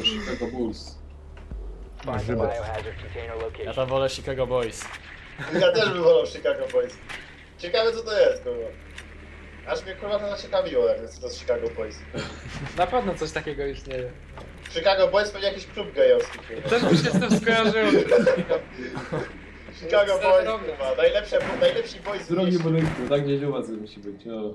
Chicago Bulls. Ja tam wolę Chicago Boys. Ja też bym wolał Chicago Boys. Ciekawe co to jest, kurwa. Aż mnie kurwa to zaciekawiło, jak co to jest Chicago Boys. Na pewno coś takiego istnieje. Chicago Boys pewnie jakiś klub gejowski, kurwa. Też mi się z tym skojarzyło. Chicago Boys, kurwa. Najlepsi boys w Drogi mieście. budynku, tak gdzieś u was musi być. O.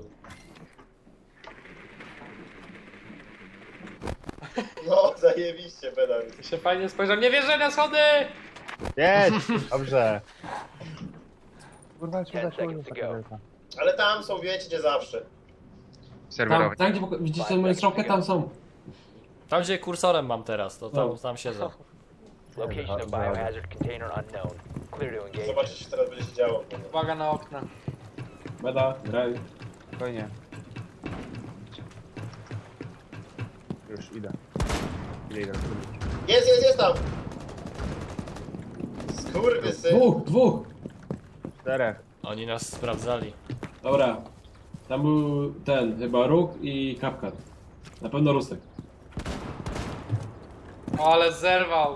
No, zajebiście, pedał. Się fajnie spojrzał. Nie wierzę na schody! Jedź! Dobrze. Kurwa, Ten seconds to go. Ale tam są, wiecie, nie zawsze. Tam, Serwerowy. tam gdzie widzicie moją strzałkę, tam są. Tam gdzie kursorem mam teraz, to tam, No. tam siedzę. Location of biohazard container unknown. Clear to engage. Zobaczycie, co teraz będzie się działo. kurwa. Uwaga na okna. Beda, graj. Spokojnie. Już idę. Idę. Jest tam! Skurwysyn. Dwóch! Czterech. Oni nas sprawdzali. Dobra. Tam był ten, chyba Róg i Kapkat. Na pewno Rusek. O, ale zerwał.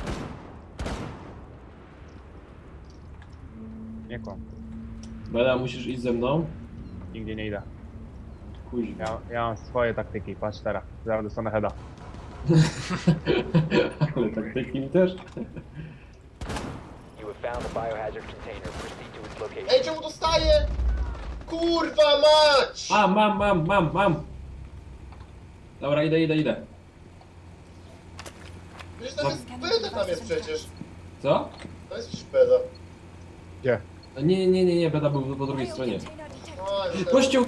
Nie kłam. Beda, musisz iść ze mną. Nigdzie nie idę. Kuźwa. Ja mam swoje taktyki. Patrz teraz. Zaraz dostanę heada. Ale taktyki mi też. You have found the biohazard container. Proceed to its location. Ej, czemu dostaję? Kurwa mać! A, mam! Dobra, idę. Przecież tam jest beda, tam jest przecież. Co? To jest przecież beda. Gdzie? Nie, Beda był po drugiej stronie. Oj, to- Kościół!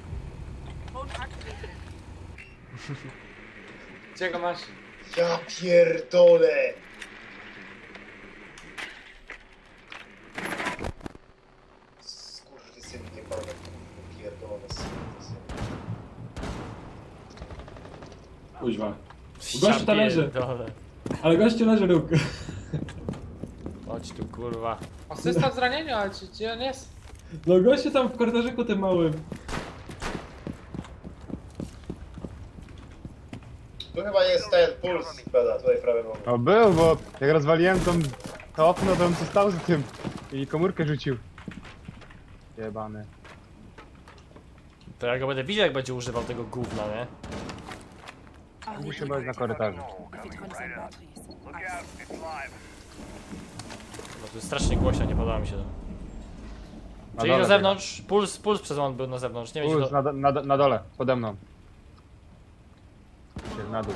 Gdzie go masz? Ja pierdolę! Skurwysyn jebane, kurwa, pierdolone, skurwysyn. Kuźwa. Gościu tam leży. Pierdolę. Ale gościu leży Róg. Chodź tu kurwa. Asysta w zranieniu, ale gdzie on jest? No gościu tam w korytarzyku tym małym. Tu chyba jest ten puls beda, tutaj prawie mam. No był, bo jak rozwaliłem to okno, to on co stał za tym. I komórkę rzucił. Jebany. To ja go będę widział jak będzie używał tego gówna, nie? Musi być na korytarzu. Bo to jest strasznie głośno, nie podoba mi się to. Na Czyli na dole zewnątrz, puls przez moment był na zewnątrz, nie biega. będzie Puls na dole, pode mną. Jest na dół.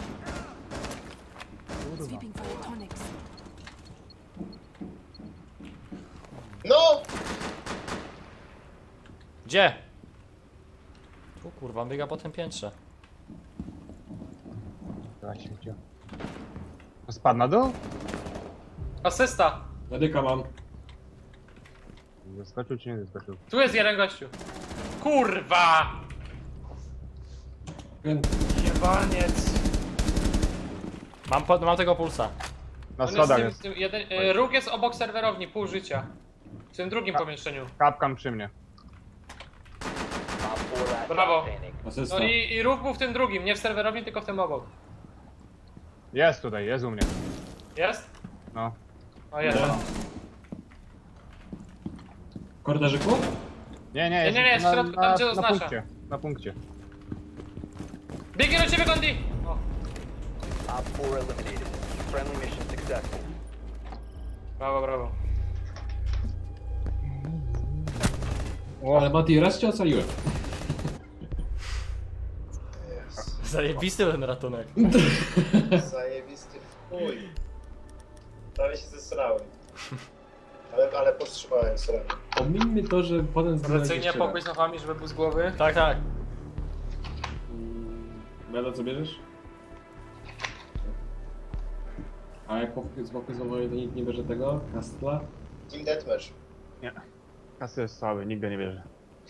Sweeping for electronics. No! Gdzie? Tu kurwa, biega po tym piętrze. Dobra, śmieciu. Spadł na dół? Asysta. Medyka mam. Zaskoczył czy nie zaskoczył? Tu jest jeden gościu. Kurwa! Jebaniec. Mam tego pulsa. Na On schodach jest jest. w tym jeden, róg jest obok serwerowni, pół życia. W tym drugim pomieszczeniu. Kapkan przy mnie. Op 4 last Brawo. stop standing. Asysta. No i róg był w tym drugim, nie w serwerowni, tylko w tym obok. Jest tutaj, jest u mnie. Jest? No. O, jest. W korytarzyku? Nie, Nie, w środku, tam gdzie na oznacza. punkcie. Na punkcie. Biegnie do ciebie, Gondi! O, Op 4 eliminated. Friendly mission successful. brawo. Ale Mati, raz cię ocaliłem. Zajebisty ten ratunek. Zajebisty w chuj. Prawie się zesrałem. Ale powstrzymałem sranie. Omińmy to, że potem Tradycyjnie jeszcze pokój raz. z nochami, żeby był z głowy. Tak. Beda, co bierzesz? A jak z boku znowu to nikt nie bierze tego? Kastla? Team Deathmatch. Nie. Kasy jest słaby, nigdy nie bierze.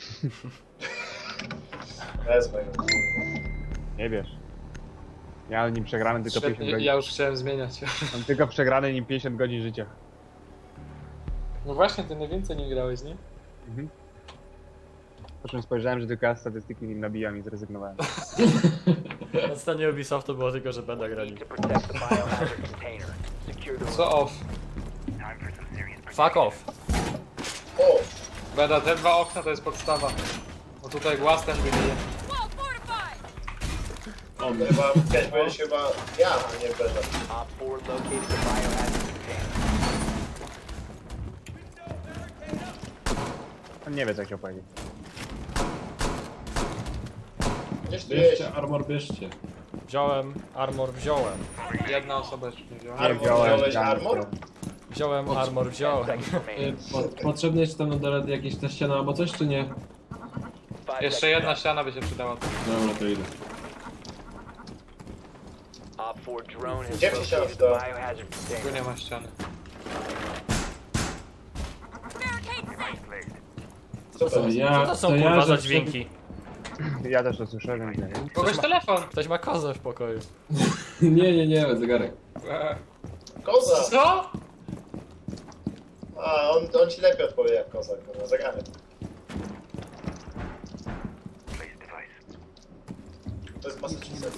Wezmę go. Nie bierz. Ja nim przegrany tylko 50 Świetnie, godzin. ja już chciałem zmieniać. Mam tylko przegrany nim 50 godzin życia. No właśnie, ty najwięcej nie grałeś, nie? Po czym spojrzałem, że tylko ja statystyki nim nabijam i zrezygnowałem. Na scenie Ubisoftu było tylko, że będę grali. Need to protect the biohazard container. Secure the Co off? Fuck off. O! Beda, te dwa okna to jest podstawa. Bo tutaj głaz ten wybije. To chyba chciałeś powiedzieć chyba ja, a nie Beda. Op 4 located the biohazard container. On nie wie co chciał powiedzieć. Gdzieś tu jest Bierzcie, armor bierzcie. Wziąłem, armor wziąłem. Jedna osoba jeszcze nie wzięła. armor. wziąłem, Wziąłeś ja armor? Wziąłem, armor wziąłem. Seconds remaining. Potrzebne jest tam na dole jakieś ta ściana albo coś, czy nie? 5 Jeszcze seconds jedna left. ściana by się przydała. Dobra, to idę. Op 4 drone has Gdzie się located the siadł? biohazard Tu container. nie ma ściany. Co to Co jest? ja, Co to są to ja, kurwa za że dźwięki? Ja też to słyszę, więc nie wiem. Kogoś telefon! Ktoś ma kozę w pokoju. Nie, zegarek. Koza! Co? A, on ci lepiej odpowie jak koza, kurwa, zegarek. To jest Massachusetts.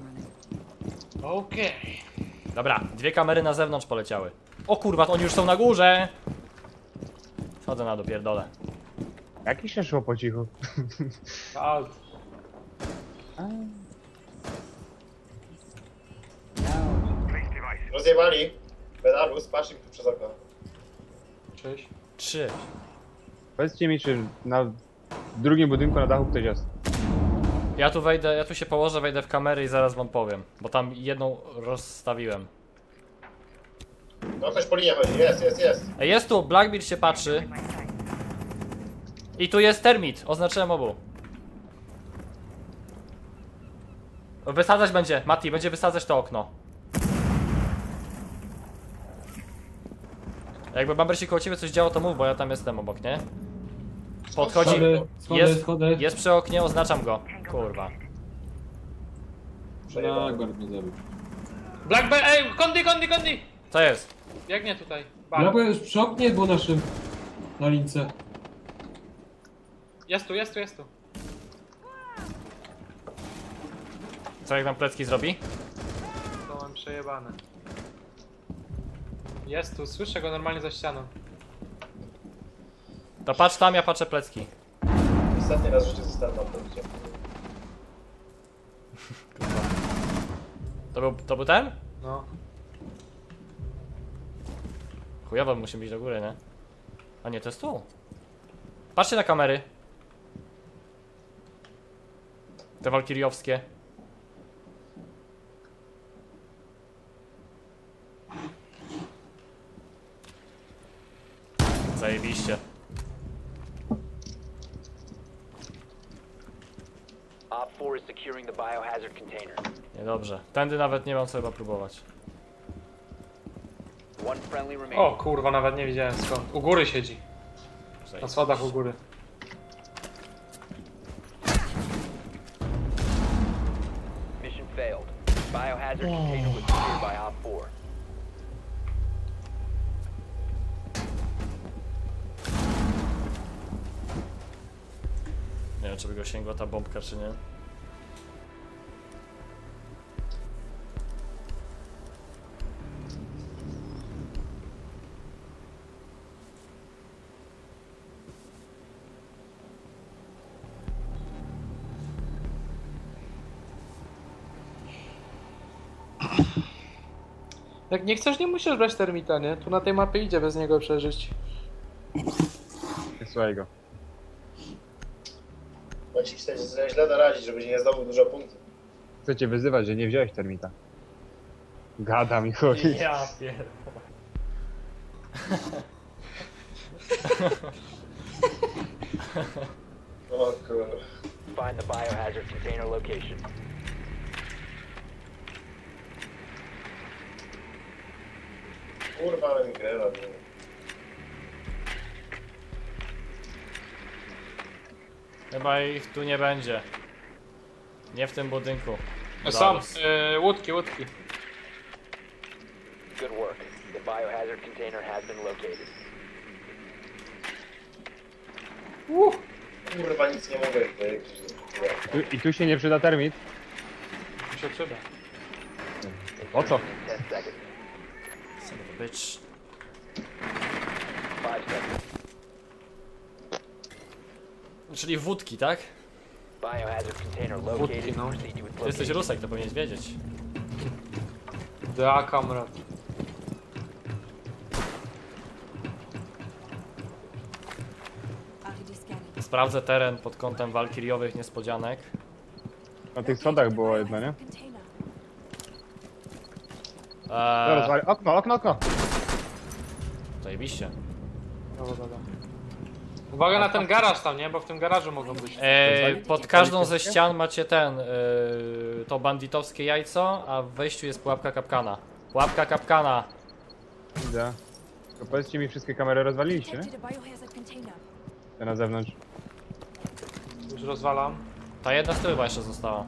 Okej. Dobra, dwie kamery na zewnątrz poleciały. O kurwa, to oni już są na górze! Schodzę na dopierdolę. Jakiś się szło po cichu. Alt. Rozjebali. Belarus, patrz im tu przez okno. Cześć. 3. Powiedzcie mi, czy na drugim budynku na dachu ktoś jest. Ja tu wejdę, ja tu się położę, wejdę w kamery i zaraz wam powiem. Bo tam jedną rozstawiłem. No ktoś po linie chodzi, jest. Ej, jest tu, Blackbeard się patrzy. I tu jest termit, oznaczyłem obu. Wysadzać będzie, Mati, będzie wysadzać to okno. Jakby Bamber się koło ciebie coś działo, to mów, bo ja tam jestem obok, nie? Podchodzi, Schody. jest przy oknie, oznaczam go. Kurwa. Blackbird mnie zabił. Blackbeard, ej, kondi! Co jest? Biegnie tutaj. Blackbird już przy oknie był naszym. Na lince. Jest tu. Co jak nam plecki zrobi? To mam przejebane. Jest tu, słyszę go normalnie za ścianą. To patrz tam, ja patrzę plecki. Ostatni raz w życiu zostałem na punkcie. To był ten? No. Chujowo, musimy iść do góry, nie? A nie, to jest tu. Patrzcie na kamery. Te walkiriowskie. Zajebiście. Op 4 is securing the biohazard container. Niedobrze. Tędy nawet nie mam co chyba próbować. One friendly O remaining. kurwa, nawet nie widziałem skąd. U góry siedzi. Na Zajebiście. schodach u góry. Mission failed. Biohazard container was secured by Op 4. Nie wiem, czy by go sięgła ta bombka, czy nie. Jak nie chcesz, nie musisz brać termita, nie? Tu na tej mapie idzie bez niego przeżyć. Słuchaj go. Bo ci chcesz sobie źle doradzić, żebyś nie zdobył dużo punktów. Chcę cię wyzywać, że nie wziąłeś termita. Gada mi chodzi. Ja pierdolę. O kurwa. Find the biohazard container location. Kurwa, ale mi grę robi. Chyba ich tu nie będzie. Nie w tym budynku. Są, Zaraz. łódki. Good work. The biohazard container has been located. Kurwa, nic nie mogę powiedzieć. I tu się nie przyda termit. Mi się przyda. O co? 10 seconds. Son of a bitch. 5 seconds. Czyli wódki, tak? Biohazard container Wódki, located. no. Proceed to its Ty jesteś location. Rusek, to powinieneś wiedzieć. Da, kamrat. Sprawdzę teren pod kątem walkiriowych niespodzianek. Na tych schodach było jedno, nie? Eee, Okno! zajebiście. Dobra. Uwaga na ten garaż tam, nie? Bo w tym garażu mogą być. Pod każdą ze ścian macie to banditowskie jajco, a w wejściu jest pułapka kapkana. Pułapka kapkana! Widzę. To powiedzcie mi, wszystkie kamery rozwaliliście, nie? Te na zewnątrz. Już rozwalam. Ta jedna z tyłu chyba jeszcze została.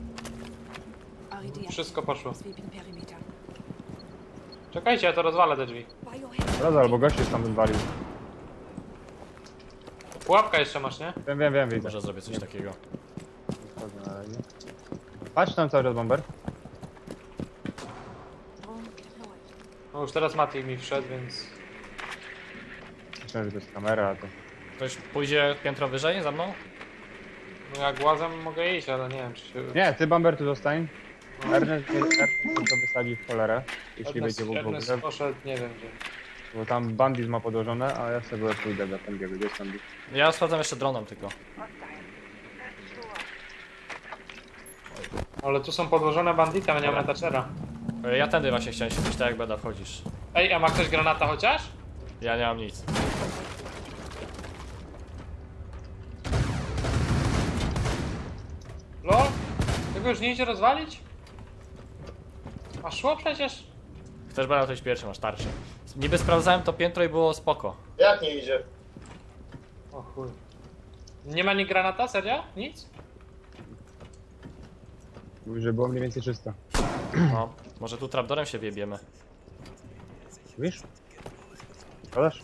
Wszystko poszło. Czekajcie, ja to rozwalę te drzwi. Roza, albo gość już tam wywalił. Pułapka jeszcze masz, nie? Wiem, widzę. Może zrobię coś takiego. Patrz tam cały czas bomber. No już teraz Mati mi wszedł, więc... Myślałem, że to jest kamera, a to... Ktoś pójdzie piętro wyżej za mną? No jak głazem mogę iść, ale nie wiem czy się... Nie, ty bomber tu zostań. Ernest to wysadzi w cholerę, jeśli będzie w Ernest ogóle. poszedł, nie wiem gdzie. Bo tam bandit ma podłożone, a ja sobie pójdę do Pengiego. Gdzie jest bandit? Ja sprawdzam jeszcze dronem tylko. Ale tu są podłożone bandity, a nie ma Thatchera. Ja tędy właśnie chciałem się tak jak beda wchodzisz. Ej, a ma ktoś granata chociaż? Ja nie mam nic. Lol? Tego już nie idzie rozwalić? A szło przecież? Chcesz beda coś pierwszy, masz tarczę. Niby sprawdzałem to piętro i było spoko. Jak nie idzie? O chuj. Nie ma ni granata? Serio? Nic? Mówi, że było mniej więcej czysto. No, może tu trapdorem się wiebiemy. Wiesz? Podasz?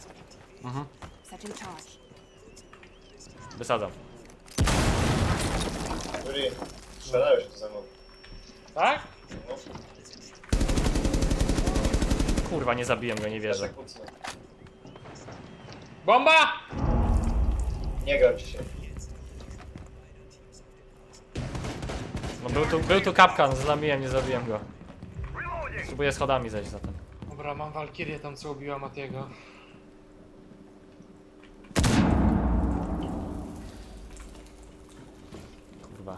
Wysadzam. Juri, strzelają się tu ze mną. Tak? No, Kurwa, nie zabiłem go, nie wierzę. tak kucnę. Bomba! Nie gram dzisiaj. No był tu kapkan, zlamiłem, nie zabiłem go. Spróbuję schodami zejść zatem. Dobra, mam Walkirię tam co ubiła Matiego. Kurwa.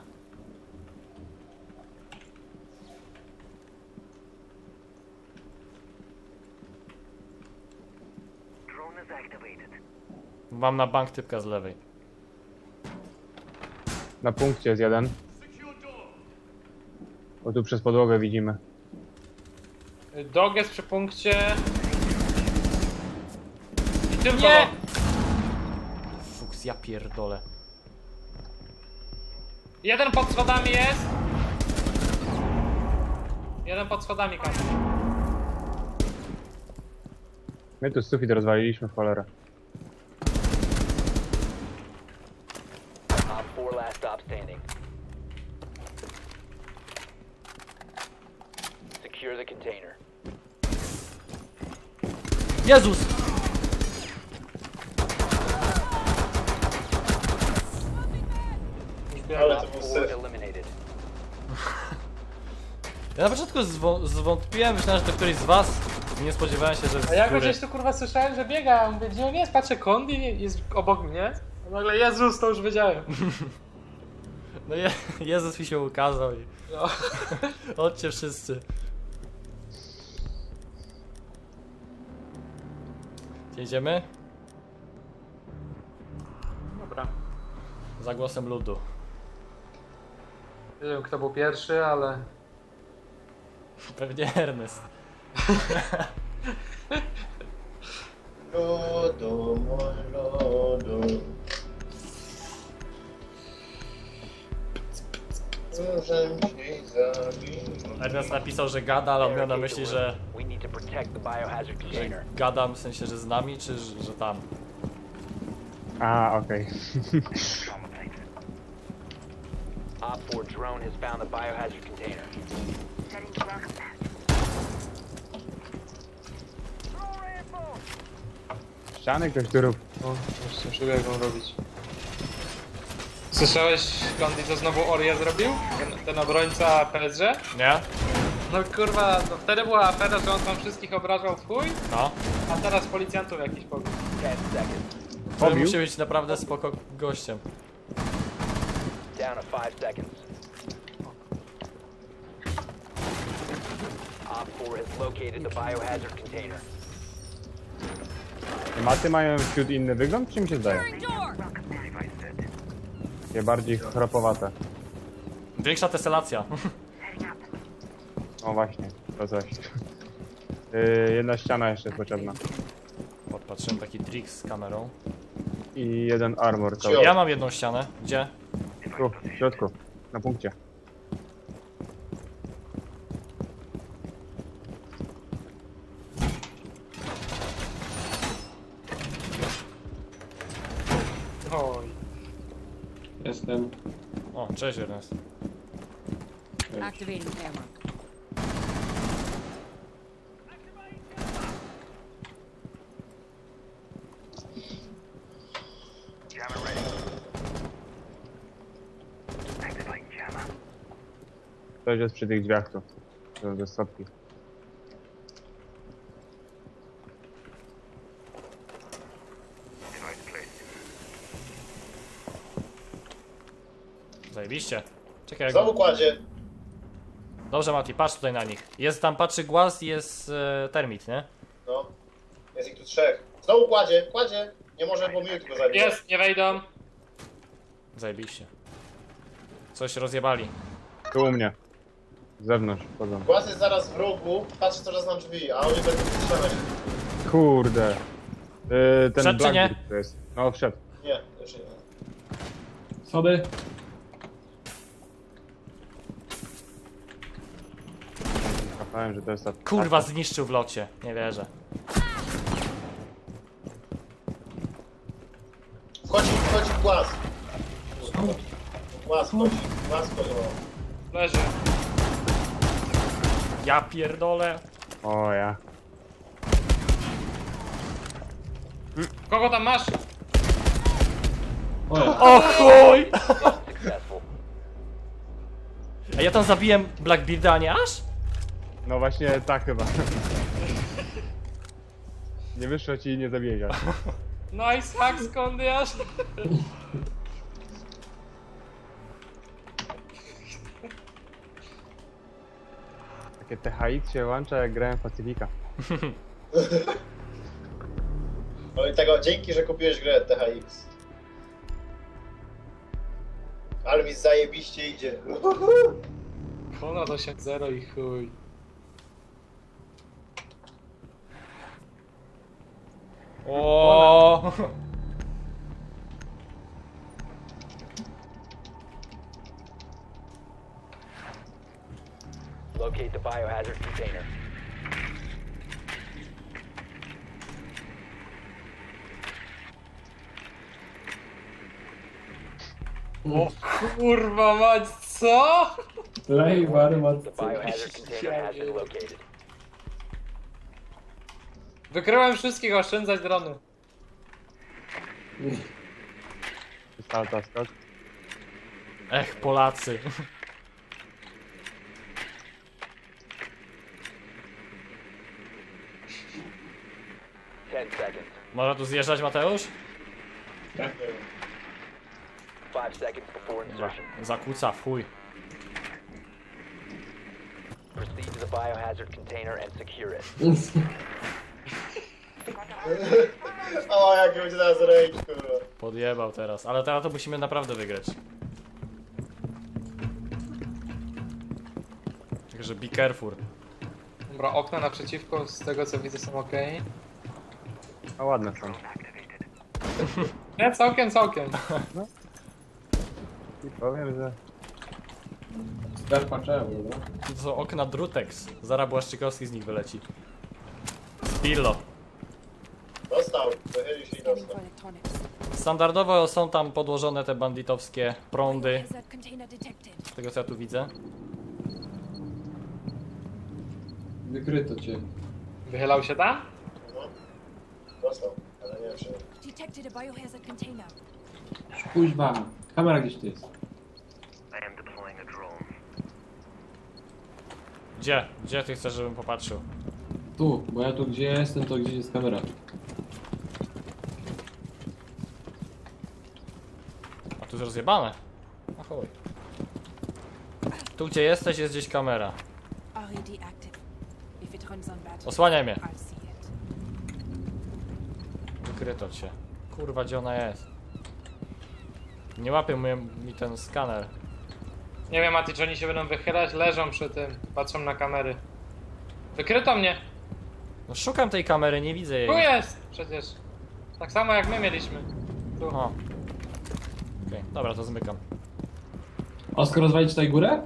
Mam na bank typka z lewej. Na punkcie jest jeden. Bo tu przez podłogę widzimy. Dog jest przy punkcie. I tylko... Nie! Fuks, ja pierdolę. Jeden pod schodami jest. Jeden pod schodami kam. My tu sufit rozwaliliśmy w cholerę. Op 4 last stop standing. Secure the container. Jezus! Już Ale biegam. to był Op 4 syf. eliminated. Ja na początku zwątpiłem, myślałem, że to któryś z was. Nie spodziewałem się, że z A ja go góry. gdzieś tu kurwa słyszałem, że biega. Ja mówię, gdzie on jest? Patrzę, Kondi jest obok mnie. A nagle Jezus, to już wiedziałem. No Jezus mi się ukazał i... No. Chodźcie wszyscy. Gdzie idziemy? Dobra. Za głosem ludu. Nie wiem kto był pierwszy, ale... Pewnie Ernest. Lodu, mój lodu. Muszę ci zabić. Ernest napisał, że gada, ale on miał na myśli, że We need to protect the biohazard container. gadam w sensie, że z nami, czy że tam. A, okej. Op 4 drone has found the biohazard container. Ściany ktoś tu rób. No, właśnie przebiegną robić. Słyszałeś, Kondi, co znowu Oria zrobił? Ten obrońca PSG? Nie? No kurwa, no wtedy była afera, że on tam wszystkich obrażał w chuj, No. a teraz policjantów jakiś pobił. 10 seconds. To Pobił? musi być naprawdę spoko gościem. Down to 5 seconds. Op 4 has located the biohazard container. Maty mają wśród inny wygląd, czy mi się zdaje? Takie bardziej chropowate. Większa teselacja. O właśnie, to coś. Jedna ściana jeszcze jest potrzebna. Podpatrzyłem taki trik z kamerą. I jeden armor cały. Cio. Ja mam jedną ścianę. Gdzie? Tu, w środku, na punkcie. Oj. Jestem. O, cześć Ernest. Activating camera. Ktoś jest przy tych drzwiach tu. Do stopki. Zajebiście. Czekaj, Znowu kładzie. Dobrze Mati, patrz tutaj na nich. Jest tam, patrzy głaz i jest termit, nie? No. Jest ich tu 3. Znowu kładzie, kładzie. Nie może, bo miód go zabije. Jest, nie wejdą. Zajebiście. Coś rozjebali. Tu u mnie. Z zewnątrz wchodzą. Głaz jest zaraz w rogu, patrzy co raz na drzwi, a oni będą strzelać. Kurde. Ten Wszedł czy nie? Blackbeard to jest. No wszedł. Nie, jeszcze nie. Schody. Zapałem, że to jest ta... Kurwa, zniszczył w locie. Nie wierzę. Wchodzi w głaz. Głaz wchodzi, głaz wchodzi. o. Leży. Ja pierdolę. O ja. Kogo tam masz? O ja. O chuj! Successful. A ja tam zabiłem Blackbearda, a nie aż? No właśnie tak chyba. Nie wyszło ci i nie zabiega. Nice hack z Kondi aż. Takie THX się łącza jak grałem w Pacyfika. No i tego, dzięki, że kupiłeś grę THX. Ale mi zajebiście idzie. Ponad 8-0 i chuj. O. Locate the biohazard container. O kurwa mać, co? Lej, warmat. The biohazard container has been located. Wykryłem wszystkich, oszczędzać drony. Salta skok. Ech, Polacy. 10 seconds. Można tu zjeżdżać, Mateusz? 5 seconds before insertion. Zakłóca, w chuj. Proceed to the biohazard container and secure it. O, jak będzie teraz rage, kurwa. Podjebał teraz, ale teraz to musimy naprawdę wygrać. Także be careful. Dobra, okna naprzeciwko, z tego co widzę, są ok. A ładne są. Nie, całkiem. I powiem, że... Skarpa czemu, no? To są okna Drutex. Zaraz Błaszczykowski z nich wyleci. Spillo. Dostał, wychylił się i Scanning dostał. for electronics. Standardowo są tam podłożone te banditowskie prądy. Hazard container detected. Z tego co ja tu widzę. Wykryto cię. Wychylał się tam? Mhm. Dostał, ale nie wiem czy... Detected a biohazard container. Kuźwa, kamera gdzieś tu jest. Gdzie? Gdzie ty chcesz, żebym popatrzył? Tu, bo ja tu gdzie jestem, to gdzieś jest kamera. A tu jest rozjebane. A chuj. Tu gdzie jesteś jest gdzieś kamera. RED active. If it runs on battery, Osłaniaj mnie. I'll see it. Wykryto cię. Kurwa, gdzie ona jest? Nie łapie mi ten skaner. Nie wiem, Mati, czy oni się będą wychylać? Leżą przy tym, patrzą na kamery. Wykryto mnie! No szukam tej kamery, nie widzę jej. Tu jest! Przecież. Tak samo jak my mieliśmy. Tu. O. Okej, dobra, to zmykam. Oskar, rozwalić tutaj górę?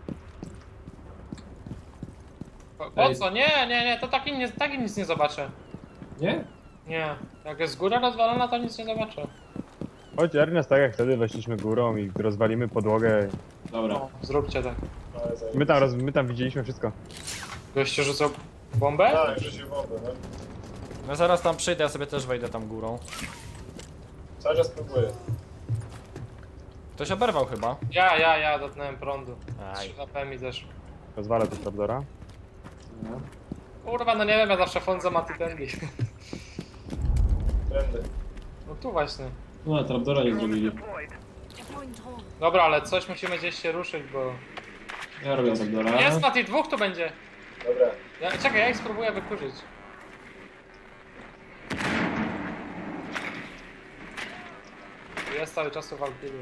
Po co? Nie, to taki nic nie zobaczę. Nie? Nie. Jak jest góra rozwalona, to nic nie zobaczę. Chodź Ernest, tak jak wtedy weszliśmy górą i rozwalimy podłogę. Dobra. No, zróbcie tak. Ale zajebiście. My tam widzieliśmy wszystko. Goście rzucał bombę? Tak, rzucił bombę, no. No zaraz tam przyjdę, ja sobie też wejdę tam górą. Cały czas próbuję. Ktoś oberwał chyba. Ja dotknąłem prądu. Aj. 3 HP mi zeszło. Rozwalę tu Trapdora. Kurwa, no nie wiem, ja zawsze chodzę Mati tędy. Trendy. No tu właśnie. No, trapdora nie zrobili. Deploying drone. Dobra, ale coś musimy gdzieś się ruszyć, bo... Ja robię trapdora. Jest Mati, 2 tu będzie. Dobra. Czekaj, ja ich spróbuję wykurzyć. Jest cały czas tu Valkyrie.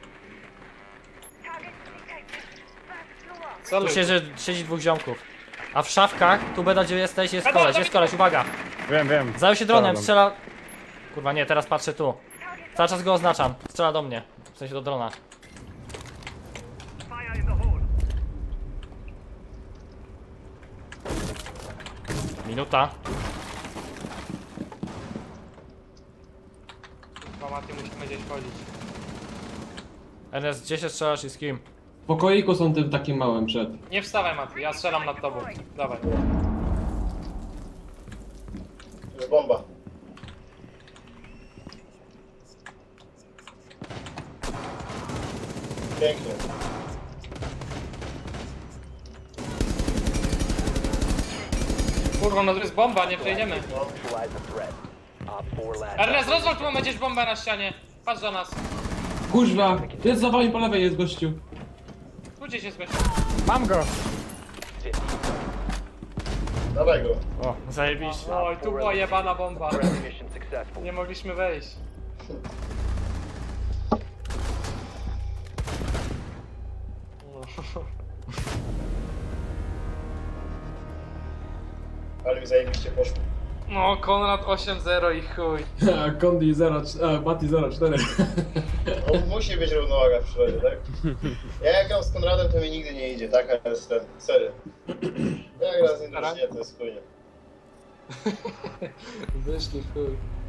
Co Tu siedzi dwóch ziomków. A w szafkach, tu beda gdzie jesteś, jest koleś, uwaga. Wiem. Zajął się dronem, Strzelam. strzela... Kurwa nie, teraz patrzę tu. Cały czas go oznaczam, strzela do mnie. W sensie do drona. Minuta. Kurwa, Mati, musimy gdzieś chodzić. Ernest, gdzie się strzelasz i z kim? W pokoiku są tym takim małym przed. Nie wstawaj, Mati, ja strzelam nad tobą. Dawaj. Jest bomba. Pięknie. Kurwa, no to jest bomba, nie przejdziemy. Neutralize the threat. Op 4 last. Ernest, rozwal tu, mamy gdzieś bombę na ścianie. Patrz do nas. Kuźwa! Jest za wami po lewej jest gościu. Tu gdzieś jest gość. Mam go! Dawaj go. O, zajebiście. Oj, tu była jebana bomba. Friendly mission successful. Nie mogliśmy wejść. Ale mi zajebiście poszło. No, Konrad 8-0 i chuj. A Kondi 0, a Mati 04. No, musi być równowaga w przyrodzie, tak? Ja jak gram z Konradem, to mi nigdy nie idzie, taka jest ten, serio. Ja gram z nim drużynie, to jest chujnie. Wyszli chuj.